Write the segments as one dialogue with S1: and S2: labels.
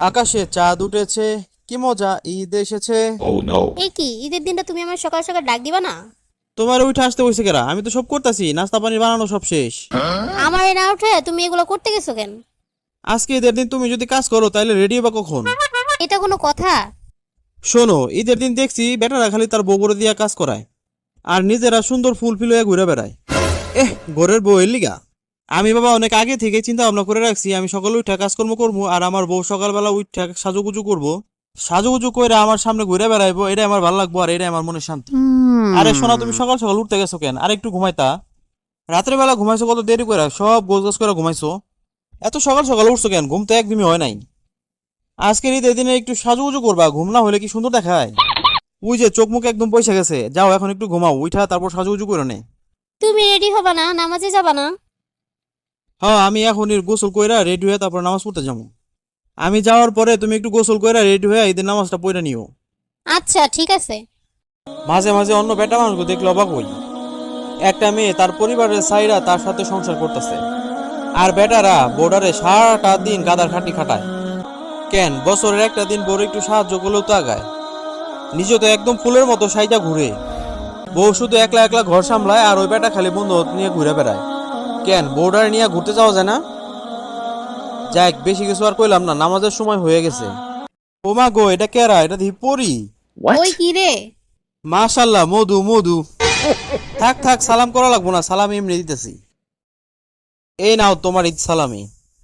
S1: আকাশে চাঁদ উঠেছে, কি মজা, ঈদ এসেছে।
S2: এই কি ঈদের দিনটা তুমি আমার সকাল সকাল ডাক দিবা না?
S1: তোমার উঠে আসতে হয়েছে কেরা? আমি তো সব করতেছি, নাস্তা পানি বানানো সব শেষ।
S2: আমার না উঠে তুমি এগুলো করতে গেছো কেন?
S1: আজকে ঈদের দিন তুমি যদি কাজ করো তাহলে রেডি হবা কখন?
S2: এটা কোনো কথা?
S1: শোনো, ঈদের দিন দেখছি বেটারা খালি তার বউ করে দিয়া কাজ করায়, আর নিজেরা সুন্দর ফুল ফিল হয়ে ঘুরে বেড়ায়। ঘরের বউ এর লিগা আমি বাবা অনেক আগে থেকে চিন্তা ভাবনা করে রাখছি, আমি সকালে উঠে কাজকর্ম করবো, আর আমার বউ সকালবেলা উঠে সাজুগুজু করবো, সাজুগুজু করে আমার সামনে ঘুরে বেড়াইবো। এটা আমার ভালো লাগবো, আর এটা আমার মনে শান্তি। আরে শোনা, তুমি সকাল সকাল উঠতে গেছো কেন? আর একটু ঘুমাইতা। রাত্রে বেলা ঘুমাইছো কত দেরি করে, সব গোছ গাছ করে ঘুমাইছো। এত সকাল সকাল উঠছো কেন? ঘুম তো একদমই হয় নাই। আজকের ঈদের দিনে একটু সাজুগুজু করবা, ঘুম না হলে কি সুন্দর দেখায়? ওই যে চোখ মুখ একদম পয়সা গেছে, যাও এখন একটু ঘুমাও, উঠা তারপর সাজুগুজু করে নে।
S2: তুমি রেডি হবা না? নামাজে যাবা না?
S1: হ্যাঁ, আমি এখন গোসল কইরা রেডি হয়ে তারপর নামাজ পড়তে যাবো। আমি যাওয়ার পরে তুমি একটু গোসল কইরা রেডি হয়ে ঈদের নামাজটা পড়ে নিও।
S2: আচ্ছা ঠিক আছে।
S1: মাঝে মাঝে অন্য বেটা মানুষকে দেখলে অবাক হই। একটা মেয়ে তার পরিবারের সাইরা তার সাথে সংসার করতেছে, আর বেটারা বোর্ডারে সারাটা দিন গাদার খাটি খাটায়। কেন বছরের একটা দিন বড় একটু সাহায্য করলেও তো আগায়। নিজে তো একদম ফুলের মতো সাইজা ঘুরে, বউ শুধু একলা একলা ঘর সামলায়, আর ওই বেটা খালি বন্ধু নিয়ে ঘুরে বেড়ায়। কেন বোর্ডারে নিয়ে ঘুরতে যাওয়া যায় না? যাক, বেশি কিছু আর কইলাম না, নামাজের সময় হয়ে গেছে। ও মা গো, এটা কেরা? এটা দি পরি।
S2: ওই কি রে?
S1: মাশাল্লাহ, মধু মধু। থাক থাক, সালাম করা লাগবো না, সালাম এমনি দিতেছি। এই নাও তোমার ঈদ সালামি।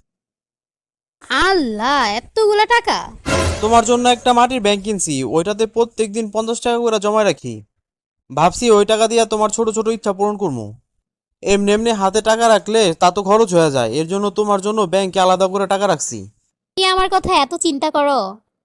S2: আল্লাহ, এতগুলা টাকা!
S1: তোমার জন্য একটা মাটির ব্যাংক কিনছি, ওইটাতে প্রত্যেকদিন 50 টাকা করে জমা রাখি। ভাবছি ওই টাকা দিয়ে তোমার ছোট ছোট ইচ্ছা পূরণ করবো। এমনি এমনি হাতে টাকা রাখলে তা তো খরচ হয়ে যায়, এর জন্য তোমার জন্য ব্যাংকে আলাদা করে টাকা রাখছি।
S2: তুমি আমার কথা এত চিন্তা করো?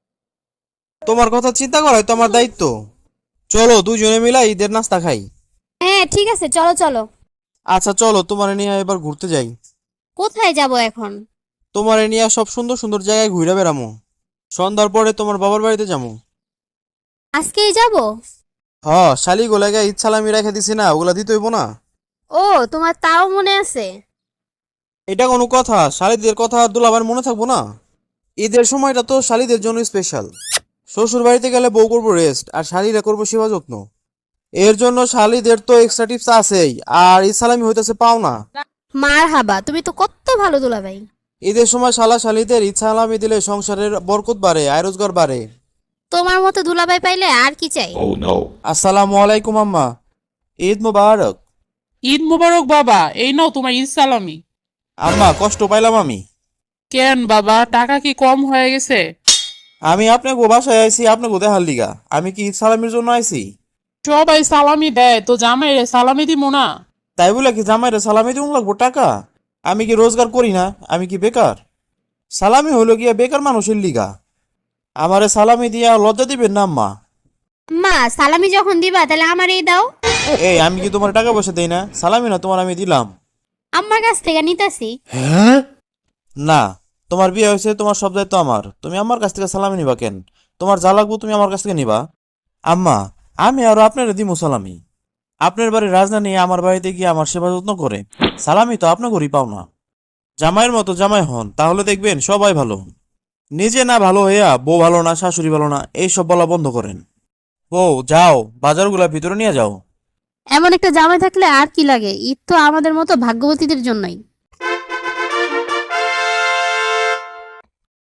S1: তোমার কথা চিন্তা করাই তো আমার দায়িত্ব। চলো দুজনে মিলে ঈদের নাস্তা খাই।
S2: হ্যাঁ ঠিক আছে, চলো চলো।
S1: আচ্ছা চলো, তোমার নিয়ে এবার ঘুরতে যাই।
S2: কোথায় যাব এখন?
S1: তোমার নিয়ে সব সুন্দর সুন্দর জায়গায় ঘুরে বেড়ামো। সন্ধ্যার পরে তোমার বাবার বাড়িতে যাবো।
S2: আজকেই যাব?
S1: হ, শালি গোলাগে ঈদ সালামি রেখে দিছি না, ওগুলা দিতে হইব না?
S2: ও, তোমার তাও মনে আছে?
S1: এটা কোনো কথা? শালিদের কথা আর দুলাভার মনে থাকবো না? ঈদের সময়টা তো শালিদের জন্য স্পেশাল। শ্বশুর বাড়িতে গেলে বউ করবো রেস্ট, আর শালিরা করবো সেবা যত্ন। এর জন্য শালিদের তো এক্সট্রা টিপস আছেই, আর ঈদ সালামি হইতেছে পাওনা।
S2: মার হাবা, তুমি তো কত ভালো দুলাভাই।
S1: ঈদের সময় শালা শালিদের ঈদ সালামি দিলে সংসারের বরকত বাড়ে, আয় রোজগার বাড়ে।
S2: তোমার মতো দুলাভাই পাইলে আর কি চাই।
S1: আসসালামু আলাইকুম আম্মা, ঈদ মুবারক।
S3: ঈদ মোবারক বাবা, এই নাও তোমার ঈদ সালামি।
S1: আম্মা, কষ্ট পাইলাম আমি।
S3: কেন বাবা, টাকা কি কম হয়ে গেছে?
S1: আমি আপনাকে বাসায় আইছি আপনাকে দেখার লিগা, আমি কি ঈদ সালামির জন্য আইছি?
S3: সবাই সালামি দেয়, তো জামাই রে সালামি দিমু না?
S1: তাই বলে কি জামাইরে সালামি দিউন লাগবো টাকা? আমি কি রোজগার করি না? আমি কি বেকার? সালামি হইলো গিয়া বেকার মানুষের লিগা। আমারে সালামি দিয়া লজ্জা দিবেন না আম্মা।
S2: মা, সালামি যখন দিবা তাহলে আমার এই দাও।
S1: এই, আমি কি তোমার টাকা পয়সা দেই না? সালামি না তোমার আমি দিলাম।
S2: আমার কাছ থেকে নিতাছি।
S1: না, তোমার বিয়ে হয়েছে, তোমার সব দায়িত্ব আমার, তুমি আমার কাছ থেকে সালামি নিবা কেন? তোমার যা লাগবো তুমি আমার কাছ থেকে নিবা। আম্মা, আমি আরো আপনার দিমু সালামি। আপনার বাড়ির রাজনা নিয়ে আমার বাড়িতে গিয়ে আমার সেবা যত্ন করে, সালামি তো আপনার ঘরই পাও না। জামাইয়ের মতো জামাই হন, তাহলে দেখবেন সবাই ভালো। নিজে না ভালো হইয়া বউ ভালো না, শাশুড়ি ভালো না, এইসব বলা বন্ধ করেন। বউ যাও, বাজারগুলা ভিতরে নিয়ে যাও।
S2: এমন একটা জামাই থাকলে আর কি লাগে, ঈদ তো আমাদের মতো ভাগ্যবতীদের জন্যই।